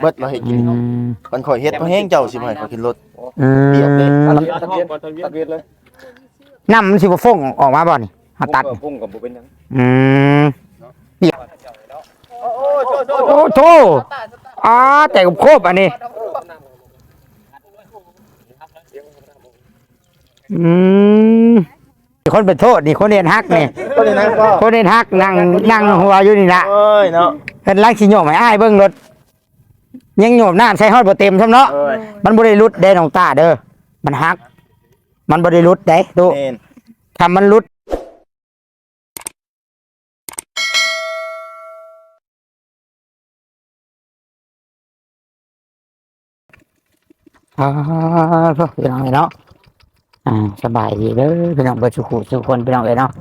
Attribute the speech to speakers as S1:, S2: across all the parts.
S1: เบิดเราให้กินมันข่อยเฮ็ดเพราะแห้งเจ้าสิบ่ให้ข่อยขึ้นรถ
S2: เปียกเลยทะเบียนเลยน้ำมันสิบ่ฟงออกมาบ่นี่เฮาตัดฟงกับบ่เป็นหยังเปียกโอ้โธ่แต่กับโคบอันนี้คนเป็นโทษนี่คนเรียนฮักนี่คนเรียนฮักนั่งหัวอยู่นี่ละเนาะเป็นลักสิโยมให้อ้ายเบิ่งรถยังโยมน้ำใช้ฮอดบ่เต็มซ้ำเนาะมันบ่ได้รุดเด้น้องตาเด้อมันฮักมันบ่ได้รุดเด้ดูทำมันรุดพี่น้องเนาะสบายดีเด้อพี่น้องเบิดสุขคนพี่น้องเนาะ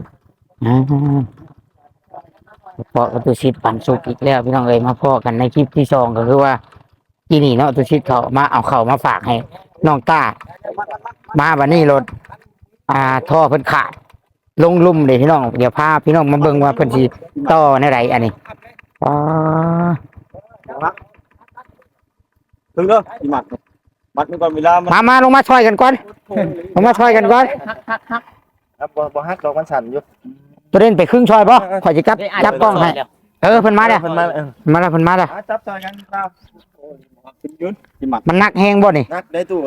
S2: พอตุชิดปั่นสุกอีกแล้วพี่น้องมาพ่อกันในคลิปที่2ก็คือว่าที่นี่เนาะตุชิดเขามาเอาเข่ามาฝากให้น้องตามาวันนี้รถท่อเพิ่นขาดลงลุ่มเลยพี่น้องเดี๋ยวพาพี่น้องมาเบิ่งว่าเพิ่นสิต่อในไรอันนี้
S3: ถึงเด้ออีหมัดมันก่อนเวลา
S2: มาลงมาช่วยกันก่อนลงมาช่วยกันก่อน
S1: บ่ฮักดอกมันสั่นอยู่
S2: ตัวเล่นไปครึ่งช่วยป่ะขอจะจับกล้องให้เพิ่นมาแล้ว
S1: จับซอยกันครับ
S3: ยืนอีหมัด
S2: มันนักแห้งบ่นี่
S1: นักได้ตู้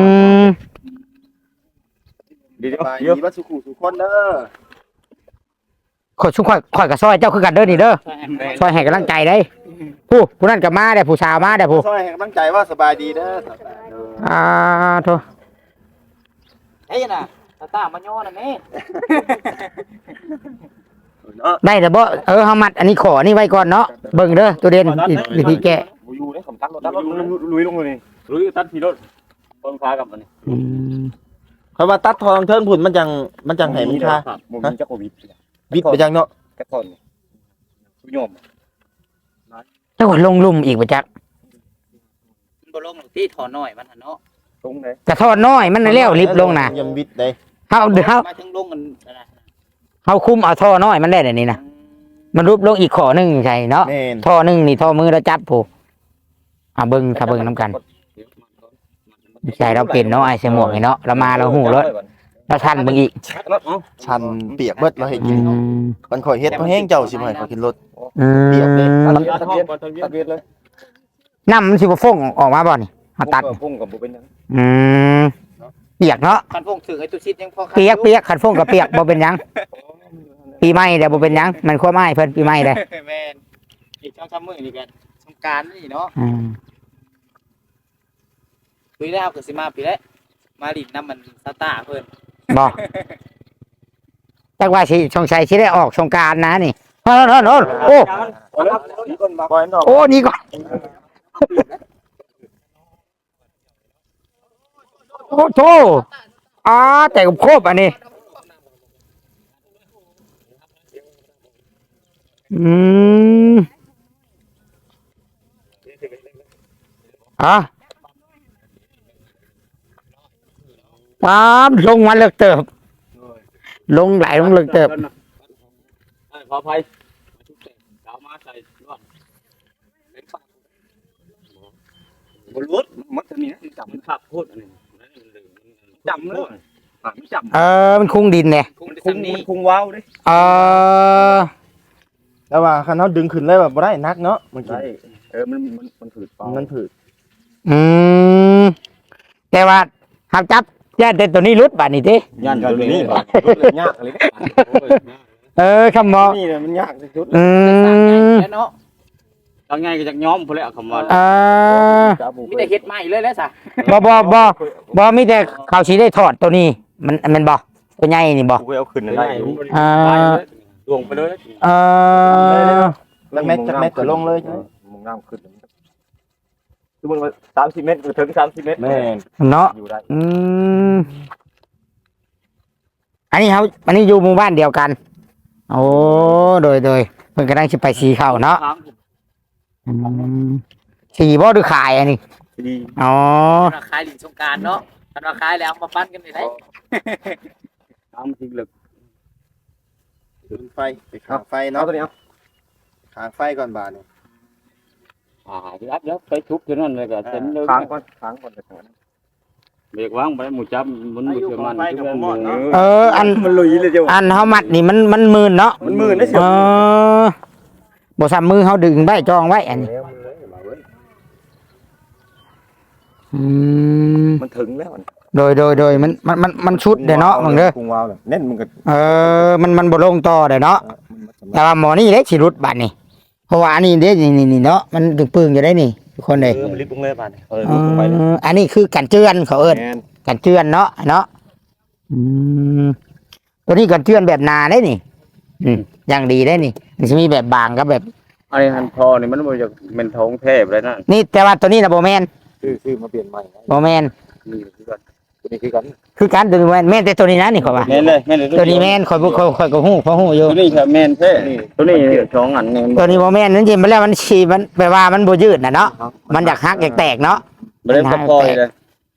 S1: ดีบัดสุขุสุคนเด้อ
S2: ข่อยกับซอยเจ้าคือกันเด้อนี่เด้อซอยให้กำลังใจได้ผู้นั้นก็มาได้ผู้สาวมาได้ผู้
S1: ซอยให้กำลังใจว่าสบายดีเด้อ
S2: โธ่
S4: เฮ้ยน่ะตามาย่อน่ะแม่
S2: ได้แต่บ่เฮามัดอันนี้ขอนี่ไว้ก่อนเนาะเบิ่งเด้อตัวเด่นวิธีแก้
S3: อยู่เด้ผมตัดรถลุยลงเลยลุยตัดทีรถต้นฟ้ากับมันนี่
S1: เขาว่าตัดทองเทิงผุ่นมันจังให้มีค่า
S3: บ่มีจักโควิด
S1: ไปจังเนาะ
S3: แค่คนโยม
S2: เจ้าลงลุ่มอีกบ่จัก
S4: มันบ่ลงที่ถอนน้อยมันหั่นเนาะ
S3: ตรงไหน
S2: กระทอดน้อยมันแล้วลิฟลงน่ะ
S1: ยังวิดได้
S2: เฮา
S4: มาถึงลงกัน
S2: เฮาคุมเอาท่อน้อยมันได้เดี๋ยวนี้นะมันรูปลงอีกขอนึงใช่เนาะท่อนึงนี่ท่อมือเราจับผู้เบิ่งถ้าเบิ่งนำกันใช่เราเป็นเนาะไอ้เสหมวกเนาะเรามาเราหูรถเราชันเบิ่งอีก
S1: ชันเปียกเบิดเราให้กินมันข่อยเฮ็ดเพราะแห้งเจ้าสิบ่ให้ข่อยขึ้นรถ
S2: เปียกเลย
S3: ทะเบียนเลย
S2: น้ำมันสิบ่ฟงออกมาบ่นี่เฮาตัด
S3: ฟงกับบ่เป็นหยัง
S2: เปียกเนาะ
S4: คันฟงถึงไอ้ตุชิดยังพอ
S2: เปียกคันฟงกับเปียกบ่เป็นหยังปีใหม่เดี๋ยวบ่เป็นหยังมันขั้วไม้เพิ่นปีใหม่เด้
S4: แม่นอีก2-3มื้อนี่กันสงกรานต์นี่เนาะปีแล้วก็สิมาปีแล้วมาลิ้นน้ำมันสตาร์เพิ่น
S2: บ่จักว่าสิสงสัยสิได้ออกสงกรานต์นะนี่โอ้นี่ก่อนโอ้โธ่แต่กับโคบอันนี้ลงมาเลิกเติบลงไหลลงเลิกเติบ
S3: ขออภัยเอามาใส่รอดบนรถมันจะมีนะจับมันขับโคตรอันนี้จับเลยไม่จับ
S2: มันคุ้งดินเนี่ย
S3: มันคุ้งว้าวดิ
S1: แล้วว่าคันเฮาดึงขึ้นเลยแบบบ่ได้นักเนาะมัน
S3: ได้มันผืด
S1: มันผืด
S2: แต่ว่าหักจับย่านแต่ตัวนี้รุดบาดนี้ติ
S3: ย่านตัวนี้ยากเลย
S2: คำว่า
S3: นี่มันยากที่สุด
S4: เนาะ
S3: เอาง่ายก็จากย้อมพุ่นแหละคำว่า
S4: มีแต่เฮ็ดใหม่เลยแล้วซะ
S2: บ่มีแต่เขาสิได้ถอดตัวนี้มันบ่ตัวใหญ่นี่บ่
S3: กูเอาขึ้นได้ลงไปเลย
S1: แล้วเม็ดก็ลงเลย
S3: มึงน้ำขึ้นคือมัน30 เมตรถึง30 เมตร
S1: แม่
S2: เนาะอันนี้อยู่หมู่บ้านเดียวกันโอ้โดยเพิ่นกำลังสิไปสีเข้าเนาะสีบ่หรือขายอันนี้อ๋อ
S4: ขายลิ้นสงกรานต์เนาะคันว่าขายแล้วมาปั้นกันได้
S3: น้ำทิ้งลึก
S1: ไฟไปข้างไฟเนาะตัวนี้ข้างไฟก่อนบาดนี่
S3: ที่อัดแล้วไปทุบที่นั่นเลยก็เต็มเลย
S1: ค้างก่อนจะเถิด
S3: เบรกวางไปหมู่จับมันบ่เชื่อมัน
S2: อัน
S1: มันลุยเลยเจ้า
S2: อันเฮามัดนี่มันหมื่นเนาะ
S1: มันมือได้เสีย
S2: บ่ซ้ำมือเฮาดึงไว้จองไว้อันนี้อืม
S1: มันถึงแล้ว
S2: โดยมันชุดเด้เนาะมึงเด้อ
S1: พุงวาวเน่นมันก็
S2: มันบ่ลงต่อเด้เนาะแต่ว่าหมอนี่เด้สิรุดบัดนี่เพราะว่าอันนี้เด้นี่เนาะมันตึงปึงอยู่ได้นี่ทุกคนเด้
S1: มันลิบลงเลยบาดลุกลงไปเลย
S2: อันนี้คือกันเจือนเขาเอิ้นกันเจือนเนาะอืมตัวนี้กันเจือนแบบนาได้นี่อย่างดีได้นี่มันจะมีแบบบางกับแบบ
S3: ไอ้หันพอนี่มันบ่จะเป็นท้องแทบเลยนั่น
S2: นี่แต่ว่าตัวนี้นะโบแมน
S1: ซื้อมาเปลี่ยนใหม่
S2: โบแมน
S3: นี่คือกัน
S1: ตัวนี้คือกัน
S2: คือการตัวนี้แมนแต่ตัวนี้นะนี่เขาว่า
S3: แม่นเลยแม่นเลย
S2: ตัวนี้แมนคอยก็หู้พอหู้อยู่
S3: ตัวนี้ครับแม่นแท้ตัวนี้สองอันนี่
S2: ตัวนี้โบแมนนั่นจริงมันแล้วมันฉีมันแปลว่ามันโบยืดนะเนาะมันอยากหักอยากแตกเนาะ
S3: บ่ได้พอเลย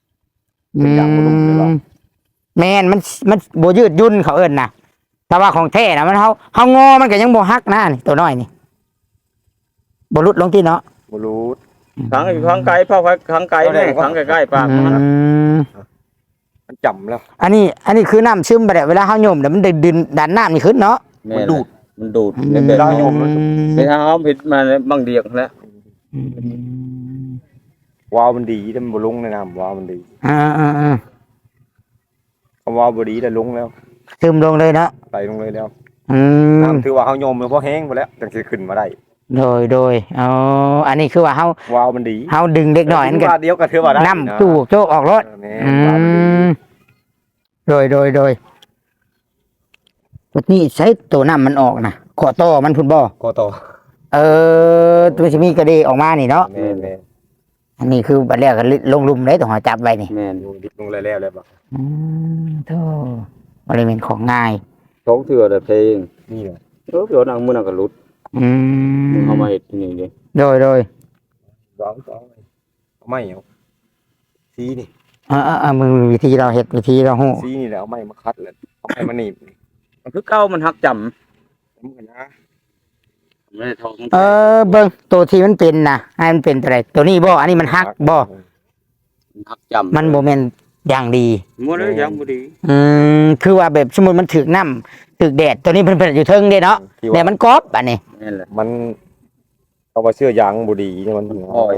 S2: แมนมันโบยืดยุ่นเขาเอิ้นนะแต่ว่าของแท้นะมันเขางอมันก็ยังโบหักนะนี่ตัวน้อยนี่โบรุดลงที่เนาะ
S1: บ่รู้
S3: ขังไก่เผาขังไก่นี่ขังใกล้ๆปากมัน
S1: มันจำแล้ว
S2: อันนี้คือน้ำซึมไปแล้วเวลาเขาโยมเดี๋ยวมันดึงดันน้ำนี่ขึ้นเนาะ
S3: มันดูดใน
S1: เว
S3: เว
S1: ลา
S3: ลา
S1: โย
S3: โย
S1: ม
S3: มเป็นทางเขาผิดมาบางเดียกแล้ว
S1: วาวมันดีแต่มันบ่ลงในน้ำวาวมันดี คำว่าบ่ดีแต่ลงแล้ว
S2: ซึมลงเลยเนาะ
S1: ไหลลงเลยแล้ว
S2: อืม
S1: น้ำถือว่าเฮาโยมมันพอแห้งไปแล้วจังสิขึ้นมาได้
S2: โดยอ๋ออันนี้คือว่าเขา
S1: วาวมันดี
S2: ดึงเด็กหน่อยนั่นก็
S1: ว่าเดียวก็ถือว่าได้
S2: น้ำตู้โจกออกรถ
S1: แม่
S2: อื
S1: วาวมันดี
S2: มโดยตัวนี้ใช้ตัวน้ำมันออกนะขอต่อมันพุ่นบ่
S1: ก็ต่อ
S2: ตัวจะมีกระเดออกมานี่เนาะ
S1: แม่
S2: อันนี้คือบัดแรกก็ลงลุมเลยต้องหาจับไว้นี่
S3: แม่น
S1: อยู่ดิบลงแล้วแล้วบ่
S2: โธ่บริเวณของง่าย
S3: ท้องเถื่อแต่เพลง
S1: นี่แหละ
S3: เดี๋ยวนั่งมื้อนั้นก็หลุดเอามาเฮ็ดที่นี่ดิ
S2: โดย
S1: สองเอาไม้เอาสีนี่
S2: มึงวิธีเราเห็ดวิธีเราหู
S1: สีนี่แหละเอาไม้มาคัดแล้วเอาไม้มาหนีบ
S3: มันคือเก่ามันหักจำ
S1: มันก็นะ
S3: ไม่ได้ท้อง
S2: เบิ้งตัวที่มันเป็นนะให้มันเป็นอะไรตัวนี้บ่อันนี้มันหักบ่
S3: หักจำ
S2: มันโมเมนอย่างดี
S3: บ่ได้ยังบ่ดี
S2: คือว่าแบบสมมติมันถึกน้ำถึกแดดตัวนี้เพิ่นอยู่เทิงเด้เนาะ
S1: ที่
S2: แต่
S1: ว่า
S2: มันกรอบอันนี้
S3: แม่นแหละ
S1: มันเอาว่าเสื้อยางบ่ดีเนี่ยมัน
S3: อ้อย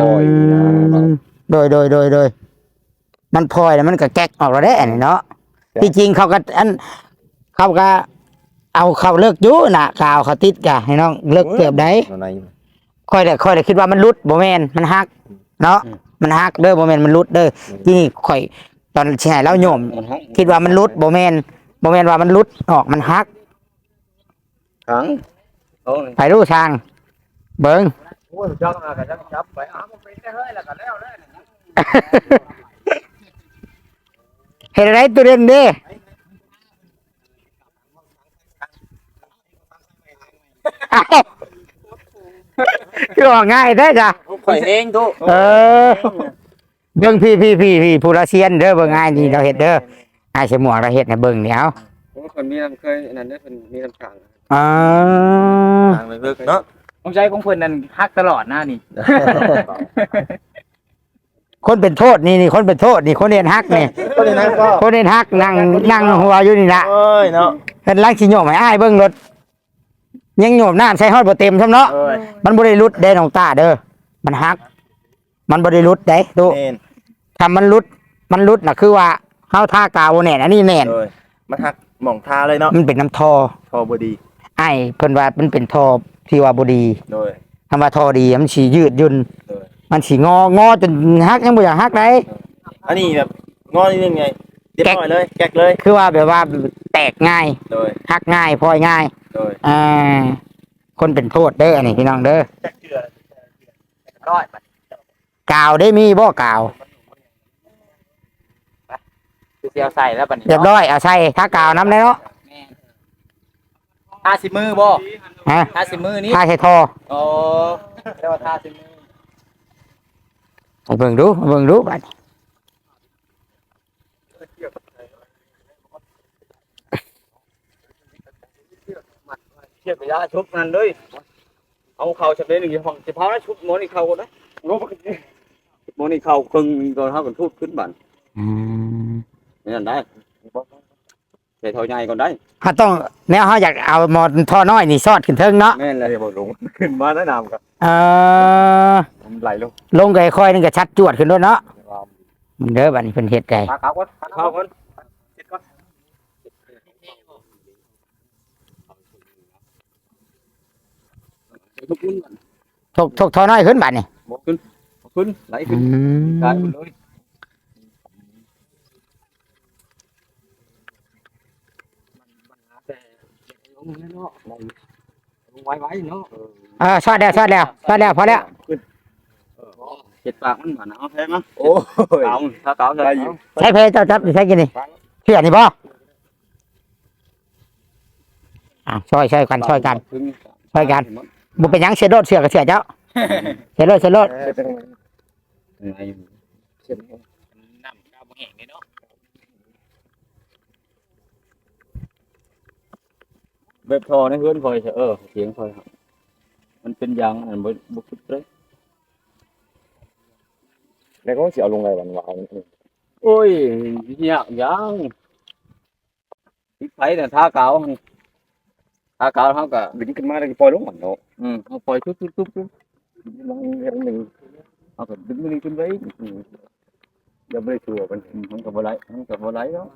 S2: โดยมันพลอยแล้วมันก็แก๊กออกแล้วได้อันนี้เนาะที่จริงเขาก็เขาก็เอาเขาเลิกอยู่น่ะกาวเขาติดกะให้น้องเลิกเกือบได้
S1: ใน
S2: ค่อยได้คิดว่ามันรุดบ่แม่นมันหักเนาะมันหักเด้อบ่แม่นมันรุดเด้อที่นี่ค่อยตอนสิให้เราโยม
S3: มันหัก
S2: คิดว่ามันรุดบ่แม่นว่ามันรุดออกมันหัก
S3: ขังเอา
S2: ไปรู้ทาง เบิ่ง
S3: โอ้ยจับมาก็จับไปมันเป็นได้เฮ้ยแล้วก็แล้ว
S2: เฮ็ดอะไรตัวเด่นเด้อ้าวคือออกง่ายแท้จ้ะ
S3: ข่อยเองตุ
S2: เออเบิ่งพี่ผู้ละเซียนเด้อเบิ่งง่ายนี่เราเฮ็ดเด้ออ้ายสมวกเราเฮ็ดให้เบิ่งเดี๋ยว
S3: คนมีน้ำเคยนั่นได้เป็นมีน้ำขัง
S2: อ๋อ
S1: ทางเลิกเนาะ
S4: ผมใจของเพิ่นนั่นฮักตลอดหน้านี่
S2: คนเป็นโทษนี่คนเป็นโทษนี่คนเรียนฮักนี่
S1: ก็เลยนั้นก็
S2: คนเรียนฮักนั่งหัวอยู่นี่ละ
S1: เอ้ยเนาะ
S2: เพิ่นลังสิโยมให้อ้ายเบิ่งรถยังโยมน้ำใส่ฮอดบ่เต็มซ้ำเนาะ
S1: เอ้ย
S2: มันบ่ได้รุดเด้น้องตาเด้อมันฮัก มันบ่ได้รุดเด้ตุ
S1: เน่น
S2: ถ้ามันรุดน่ะคือว่าเฮาทากาวบ่แน่นอันนี้แน่น
S1: เลยมันหักหม่องทาเลยเนาะ
S2: มันเป็นน้ำทอ
S1: พอบ่ดี
S2: อ้ายเพิ่นว่ามันเป็นทอที่ว่าบ่ดี
S1: โดย
S2: คำว่าทอดีมันสิยืดหยุ่น
S1: โดย
S2: มันสิงอจนฮักยังบ่อยากฮักได้
S1: อันนี้แบบงอนิดนึงไงเรียบร้อยเลยแกกเลย
S2: คือว่าแบบว่าแตกง่าย
S1: โดย
S2: ฮักง่ายพลอยง่าย
S1: โดย
S2: คนเป็นโทษเด้ออันนี้พี่น้องเด้อ
S4: ร้อย
S2: กาวได้มีบ่กาว
S4: คือเสียวใส่แล้วบัดนี้
S2: เรียบร้อยเอาใส่ถ้ากาวน้ำได้เนาะ
S4: แม่ทาสิมือบ่
S2: ฮะ
S4: ทาสิมือนี้
S2: ถ้าใส่ทอ
S4: โอ้เรียกว่าทาสิมือ
S2: ไปเบิ่งดูบัด
S3: เทียบไปยาชุบนั่นเลยเอาเข้าชำเละนึงห้องสิเผานะชุดหมอนี่เข้าก่อนนะหมอนี่เข้าครึ่งก่อนเฮาก็ทุบขึ้นบัด
S2: อืม
S3: นั่นได้ใส่ท่อใหญ่ก่อนได้
S2: เฮาต้องแนวเฮาอยากเอาหมอท่อน้อยนี่ซอดขึ้นเทิงเนาะ
S3: แม่นเลยบ่ลงขึ้นมาแนะนำครับ
S2: เออ
S3: ผมไหลลง
S2: ลงไกค่อยๆนึงก็ชัดจวดขึ้นด้วยเนาะเด้อบัดนี้เพิ่นเฮ็ดไก่
S3: ขาขาวก่อนขาขาวก่อนเสร็จก่อนทุกขึ้นก่อน
S2: ทกท่อน้อยขึ้นบัดนี้
S3: บ่ขึ้นขึ้นไหล
S2: อื
S3: ขึ้น
S2: ม
S3: ได้หมดเลย ลงเนาะลงไว้เนาะ
S2: ซอดแล้วพอแล้ว
S3: เจ็ดปากมันหวานเอาแพ้มั้ยโอ้ยถ้าเก่าได้อยู่
S2: ใช้เพเจ้าจับใช้กินนี่เชื่อนี่บ่ช่วยกันบ่เป็นหยังเสียโดดเสือก็เสียเจ้าเสียโดด
S3: ไง
S4: น้ำก้าวบ่แห้งเนาะ
S3: แบบทอในเฮือนคอยเสียงคอยมันเป็นยางอันบ่คิดเลย
S1: แล้วก็สิเอาลงไงวันวาน
S3: โอ้ยยากยังพริกไทยเนี่ยทาเก่าเฮาก็
S1: ดึงขึ้นมาแล้วก็ปล่อยลงมันเนาะ
S3: เฮาปล่อยตุ๊บๆ
S1: ลองเฮ็ดหนึง
S3: ๆเฮาก็ดึงมันขึ้นไว้อย่าบ่ได้ตัวมันก็บ่ไหลเนาะ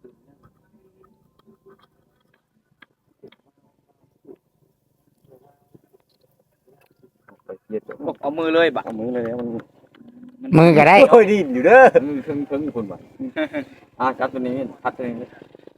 S3: ไปเฮ็ด
S4: เอามือเลยบะ
S1: เอามือเลยมัน
S2: มือก็ได้
S1: โอ้ยดินอยู่เด้อ
S3: ถึงคนบ่จับตัวนี้พัดตัวนี้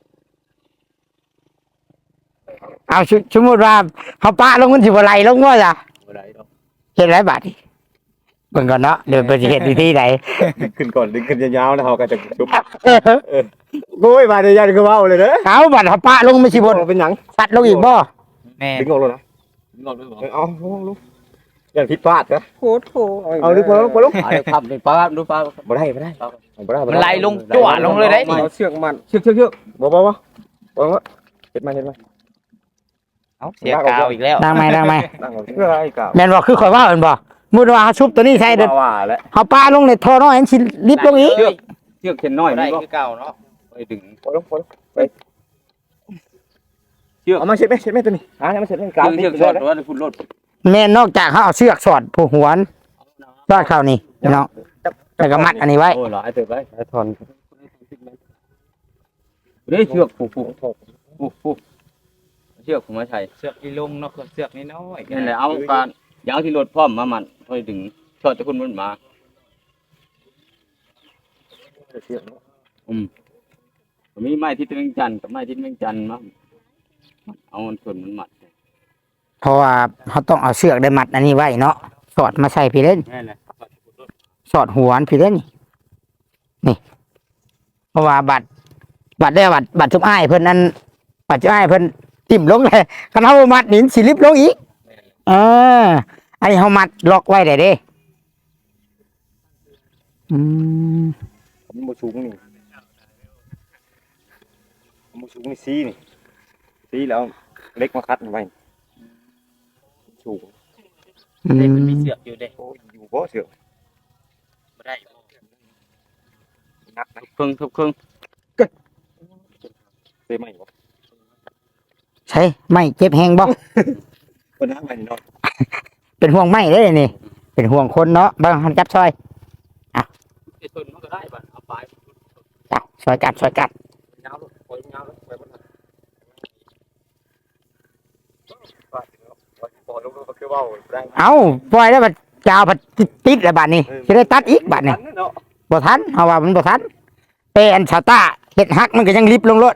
S2: เอาสมมุติว่าเฮาปะลงมันสิบ่ไหลลงว่าจ้ะ
S3: บ่ได้ดอก
S2: เฮ็ดไรบาดนี่เบิ่งก่อนเนาะเดี๋ยวเพิ่นสิเฮ็ดวิธีใด
S1: ดึงขึ้นก่อนดึงขึ้นยาวๆแล้วเขาก็จะชุบโอ้ยมาได้ยันคือเว้าเลยเด้อ
S2: เอาบัดเฮาปะลงมันสิบ่
S1: เป็นหยัง
S2: สัดลงอีกบ่
S4: แม่
S1: ดึงออกเลยนะ
S3: งอกด้วยบ่
S1: เอาลงอย่าผิดพลาดนะ
S4: โถ
S1: เอาดึงพอลง
S3: เดี๋ยวขับไปป้าดูป้า
S1: บ่ได้บ่ได้
S4: มันไหลลงจั่วลงเลยได้นี่
S1: เอาเชือกมันเชือกบ่เฮ็ดมา
S4: เอ้าเสียกาวอีกแล้ว
S2: ดังไหม
S1: นั่งเอาเชือกไอ้กาว
S2: แม่นบ่คือข่อยว่าเอิ้นบ่สมมุติว่าเฮาชุบตัวนี้ใส่เด้อ
S1: ว่าแล้ว
S2: เฮาปะลงในท่อน้อยอันสิลิบลงอีก
S3: เชือกเข็นน้อย
S4: ได้
S3: นี่บ่
S4: คือเก่าเนาะ
S3: ไปดึง
S1: พอลงเอามาเช็ดไหมตัวนี้มาเช็ดกลาง
S3: เชือกช็อตว่าคุณรถ
S2: แม่นนอกจากเฮาเอาเชือกสอดผู้หวนสอดเข้านี่พี่น้องแล้วก็มัดอันนี้ไว้
S3: โอ้หลายเติบไป
S1: ไอ้ทอน
S3: นี่เชือกผูกเชือกผมมาใช้
S4: เสือกอีลงเนาะเสือกน้อย
S3: นั่นแหละเอาการยางที่รถพร้อมมามันค่อยดึงช็อตจะคุณมันมามีไม้ที่เป็นจันกับไม้ที่เป็นจันมาเอามันส่วนมันมัด
S2: เพราะว่าเขาต้องเอาเชือกได้มัดอันนี้ไว้เนาะสอดมาใส่พี่เล่น
S3: นั่นแหละ
S2: สอดหัวอันพี่เล่นนี่เพราะว่าบัตรได้บัตรจุ๊บอ้ายเพิ่นนั้นบัตรจุ๊บอ้ายเพิ่นติ่มลงเลยคันเฮาบ่มัดนี่สิลิบลงอีกอันนี้เฮามัดล็อกไว้ได้เด้อืม
S1: มันบ่สูงนี่มันบ่สูงนี่ซีแล้วเล็กมาคัดไว้สูง
S4: ๆเด็กมันมีเสือกอยู่เด้
S1: โอ้ยอยู่บ่เสือก
S4: บ่ได้
S1: นักนะ
S3: ทุบครึ่ง
S1: เซ่ไหมบ่
S2: ใช่ไม่เจ็บแฮงบ่
S1: คนนักไปนอน
S2: เป็นห่วงไม่เด้นี่เป็นห่วงคนเนาะบางหันจับซอย
S3: ไอ้ต้นมันก็ได้บัดเอาไป
S2: จับซอยกัด
S3: ยาวปล่อยยาวไปบนนั้น
S1: พอลงก็คือว่าได้
S2: เอาปล่อยแล้วบัดจาวบัดติดแล้วบัดนี้สิได้ตัดอีกบัดนี้บ่ทันเอาว่ามันบ่ทันแต่อันชาวต้าเฮ็ดฮักมันก็ยังลิบลงรถ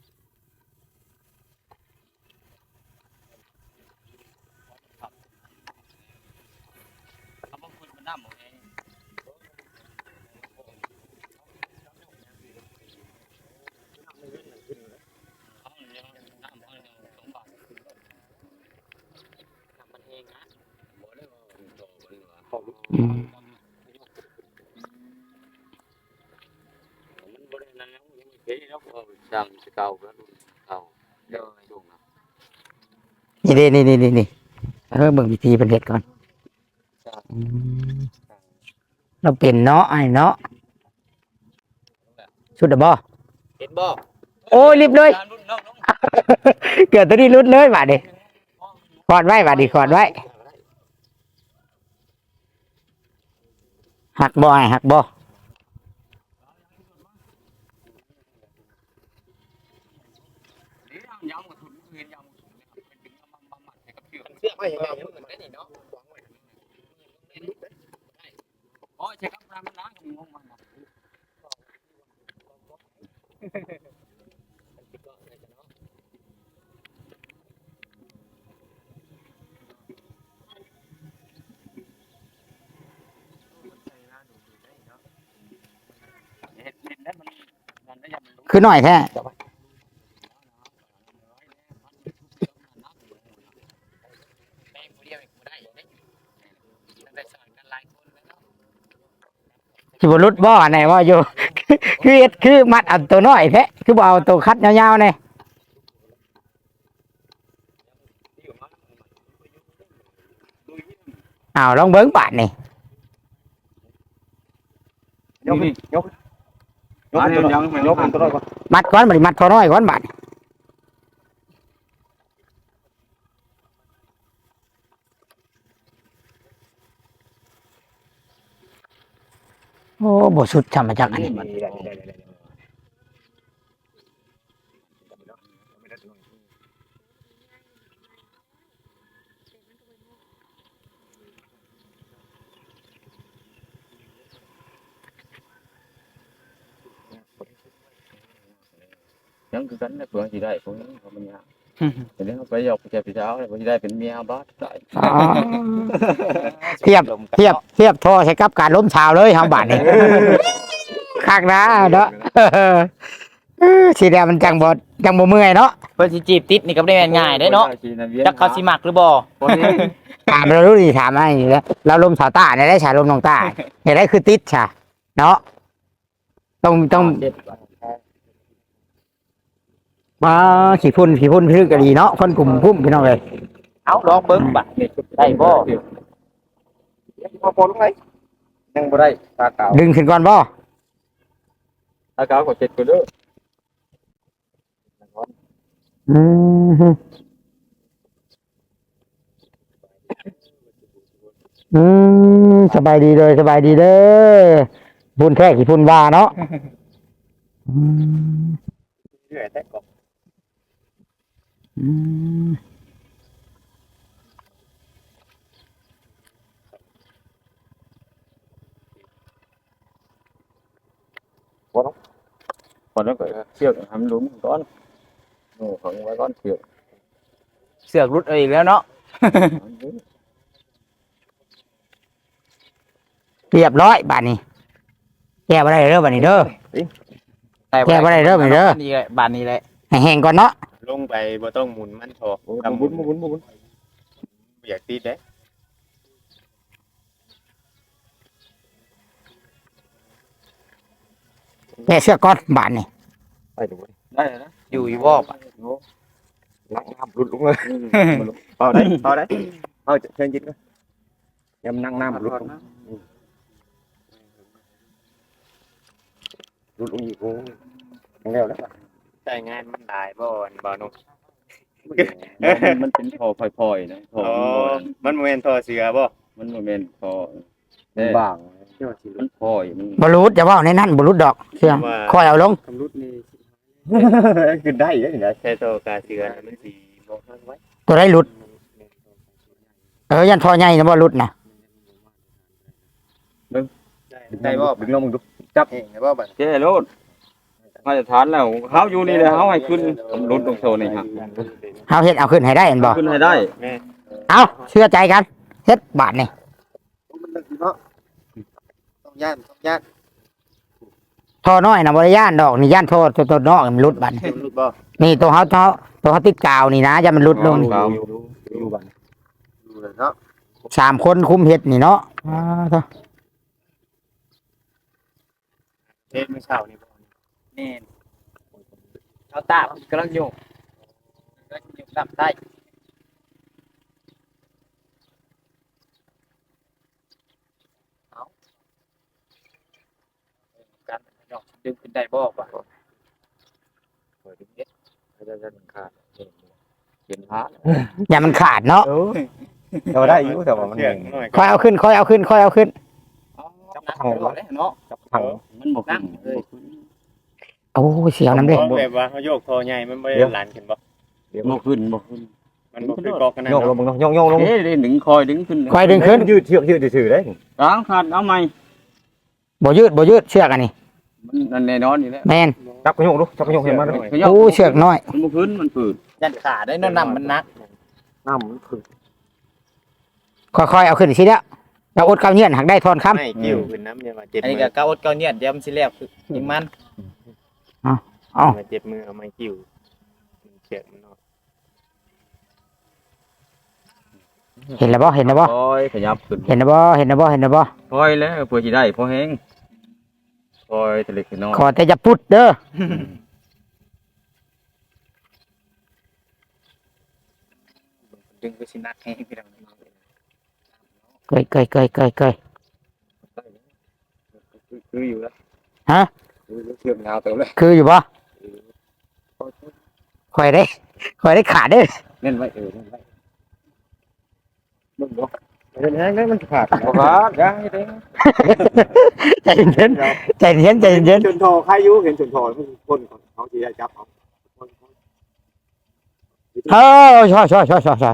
S3: เอาบางคนมันน้ำหมดเองมันบริเวณนั้นแล้วยังไม่เก๋แล้วดังจะเก่าแล้วเก่าเดี๋ยวช่วงนะ
S2: นี่เด้นี่เบิ่งวิธีเป็นเฮ็ดก่อนอืมเราเป็นเนาะไอ้เนาะชุดเดอบ่
S4: เห็นบ่
S2: โอ้ยรีบเลย
S4: รุ่นน้อง
S2: เกิดตัวนี้รุดเลยบาดนี้กอดไว้บาดนี้กอดไว้หักบ่ไอ้หักบ่
S3: ยาวกับทุนเงินยาวเป็นดึงมาให้กับเชือก
S4: เสื้อไม่เห็นไงมันได้นี่เนาะ
S3: อ๋อใช่ครับมันล้างกับงงมัน
S2: คือหน่อยแท้
S4: แม่งผู้เดียวเองบ่ได้เด้ตั้งแต่สอนกันหลายคนแล้วเนาะ
S2: สิบ่รุดบ่อันไหนว่าอยู่ คือเฮ็ดคือมัดเอาตัวน้อยแท้คือบ่เอาตัวคัดยาวๆนี่อ้าวลองเบิ่งบาดนี่
S1: ยกขึ้นยกยกขึ้นยกขึ้นตัวน้อยก่อน
S2: มัดก่อนบัดนี้มัดตัวน้อยก่อนบาดนี่โอ้บ่สุดจำมาจากอันนี้
S3: ยังคือกันนะเพื่อนที่ได้พวกนี้เขามันยากแต่เรื่องไปยกแกพี่เช้าเลยพอที่ได้เป็นเมียบ้าได้
S2: อ๋อเทียบโทอใช้กับการล้มชาวเลยเฮาบาดนี่คักนะเนาะ สีแดงมันจังบ่เมื่อยเนาะ
S4: เพิ่นสิจีบติดนี่ก็บ่ได้ง่ายๆเด้เนาะจักเขาสิมักหรือบ่
S2: ถามเรารู้ดีถามอะไรอยู่แล้วเราลมสาวตาเนี่ยได้ฉายลมน้องตาเห็นได้คือติดฉะเนาะต้องมาขี่พุ่นพื้นกะดีเนาะคนกลุ่มพุ่มพี่น้องเลย
S4: เอาลองเบิ่งบัดได้บ่
S1: พอลงไหมยังบ่ได้ตาขาว
S2: ดึงขึ้นก่อนบ่
S3: ตาขาวกดเจ็ดกูเด้อ
S2: อืมสบายดีเลยสบายดีเด้อพุ่นแค่ขี่พุ่นว่าเนาะอืม
S1: เหนื่อยแต่ก็
S2: อืม
S3: còn nó phải ชือกทำหลุมก้อนโอ้ของไว้ก้อนเชือก
S4: เสือกรุดเอาอีกแล้วเนาะ
S2: เรียบร้อยบาดนี้แก้บ่ได้เด้อบัดนี้เด้อ แก้บ่ได้เด้อบัดนี้เด้อ
S4: นี่แหละบาดนี้แหละ
S2: ให้แห้งก่อนเนาะ
S1: ลงไปบ่ต้องหมุนมันพอทำบุญอยากตีได้
S2: แก้เสื้อก่อนบาดนี้
S1: ไปดู
S3: ได้นะ
S4: อยู่อีบ่บัด
S1: นักน้ำหลุดลงเลยเอาได้เอาเชิญยิดก็ยำนั่งน้ำหลุดลงอีกโอ้ยังแล้ว
S5: ใช้งานมันหลายบ่อนบ่นุก
S3: มันเป็นพอพลอยๆนะพอ
S5: อ๋อมันบ่แม่นทอเสือบ่
S3: มันโมเมนต์พอ
S1: บ้าง
S3: มันพอยมัน
S2: บรูดอย่าว่าในนั้นบรูดดอกเชื่อคอยเอาลง
S5: คำรุดนี่
S1: ขึ้นได้ยังไง
S5: ใช้โตกาเสือมันสิบ่ทันไว้
S2: ตัวได้หลุดยันทอใหญ่นะบ่หลุดนะ
S5: ได้บ่
S1: ดึงลงมึงดู
S5: จับเองได้บ่บัด
S3: เจ้โลดมาตรฐานแล้วเขาอยู่นี่เลยเขาให้ขึ้นรถลงโซนนี่ครับ
S2: เอาเฮ็ดเอาขึ้นให้ได้เห็นบ่
S3: ขึ้นให้ได้
S2: เอาเชื่อใจกันเฮ็ดบาทนี่
S5: มันลึกเนาะต้องย่าน
S2: ทอน้อยนะบ่ได้ย่านดอกนี่ย่านทอตัวนอกมันหลุดบาดนี่
S5: รุดบ่
S2: นี่ตัวเขาติดกาวนี่นะอย่ามันหลุดลงนี่
S1: อยู่บ้าน
S5: ดูเลยเนาะ
S2: 3 คนคุมเฮ็ดนี่เนาะเถอะ
S5: เฮ็ดมื้อเช้านี่บ่
S4: นี่เอาตามันกำลังโยกกำลังโยกตามใต้ดึงขึ้นได้บ่ป่ะ
S3: จะขาดเขียนพระ
S2: อย่ามันขาดเนาะ
S1: เราได้อยู่แต่ว่ามัน
S5: เสียงหน่อย
S2: ค่อยเอาขึ้นค่อยเอาขึ้นค่อยเอาขึ้น
S1: จับทาง
S4: เนาะ
S1: จับทาง
S3: มันบ่ขึ้น
S2: โอ้ยเสียวน้ำเด้
S5: แบบว่าเขาโยกคอใหญ่มันไม่ได้หลานขึ้นบ่
S3: บ่ขึ้นบ่ขึ้น
S5: มันบ่คือกอกกันนั่น
S1: โยกลงมึงโยกลง
S3: เอ๊ะดึงคอยดึงขึ้น
S2: ค่อยดึงขึ้น
S1: ยืดเชือกยืดถือได้
S3: กลางขาดเอาใหม่
S2: บ่ยืดเชือกอันนี้
S3: มันแน่นอนอยู่แล้ว
S2: แม่น
S1: จับกระโยกดูจับกระโยกเห็นมั้ย
S2: โอ้เชือกน้อย
S3: มันบ่ขึ้นมันฝืด
S4: ยันขาได้เนาะน้ำมันนัก
S1: น้ำมันคือ
S2: ค่อยๆเอาขึ้นสิแล้วเราอดเกาเงียนหักได้ทอนคำ
S5: ไม่กิ้วขึ้นน้ำเนี่ยมาเจ็บ
S4: อันนี้
S5: มื
S4: ก็
S5: อ
S4: เก้าอดเก้าเนี่ยเดี๋ยวมันสิแล้วคือยิงมัน
S5: มาเจ็บมือเอาไม้กิ้วเสียงมันเนาะ
S2: เห็นแล้วบ่
S3: คอยขยับขึ้น
S2: เห็นแล้วบ่
S3: คอยแล้วเพื่อสิได้พอแห้งคอยตะเล็กน้อย
S2: ขอแต่จะพุดเด้อ
S4: ดึงก็สินักให้พี่น้อง
S2: เกย
S3: คืออยู่แล้ว
S2: ฮะ
S3: เชือกยาวเต็มเลย
S2: คืออยู่บ่ค่อยได้ขาดเด้อ
S3: เล่นไว้เล่นไว้มึงบ่
S1: เป็นแห้งได้มันขาด
S3: บ่ขาดยังเด้
S2: ใจเย็น
S1: จนทอใครอยู่เห็นจนทอคนเขาทีได้จับเอา
S2: เออช่อ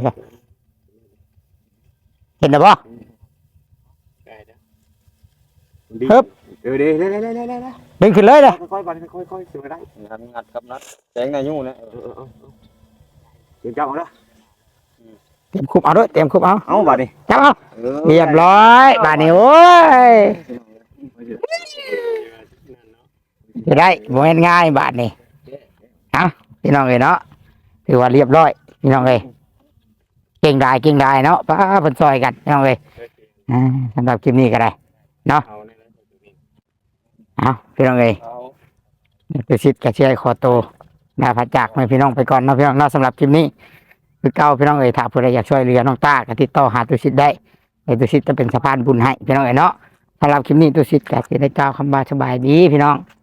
S2: เห็นแล้วบ่
S5: ได้นะ
S1: เดี๋ยวดี
S2: ดึงขึ้นเลยเด้อ
S1: ค่อยๆบันค่อยๆเสือได้
S3: งัดกับนัดแสงในยู่นะ
S1: เดี๋ยวจับเอาละ
S2: เตรียมคุบเอาด้วยเตรียมคุบเอา
S1: เอาบัดนี้
S2: จับเอาเรียบร้อยบาดนี้โอ้ยจะได้บ่แม่นง่ายบาดนี้เอาพี่น้องเอ้ยเนาะถือว่าเรียบร้อยพี่น้องเอ้ยเก่งได้เนาะป้าเพิ่นซอยกันพี่น้องเอ้ยสำหรับคลิปนี้ก็ได้
S5: เอาเนี่ยนะ
S2: เอาพี่น้องเอ้ย
S3: เอา
S2: ไปสิทธิ์กับเชียร์ขอโตนาพัดจากให้พี่น้องไปก่อนเนาะพี่น้องเนาะสำหรับคลิปนี้คือเก่าพี่น้องเอ้ยถ้าผู้ใดอยากช่วยเหลือน้องต้าก็ติดต่อหาตุสิทธิ์ได้ให้ตุสิทธิ์จะเป็นสะพานบุญให้พี่น้องเอ้ยเนาะสำหรับคลิปนี้ตุสิทธิ์ก็สิได้กล่าวคำว่าสบายดีพี่น้อง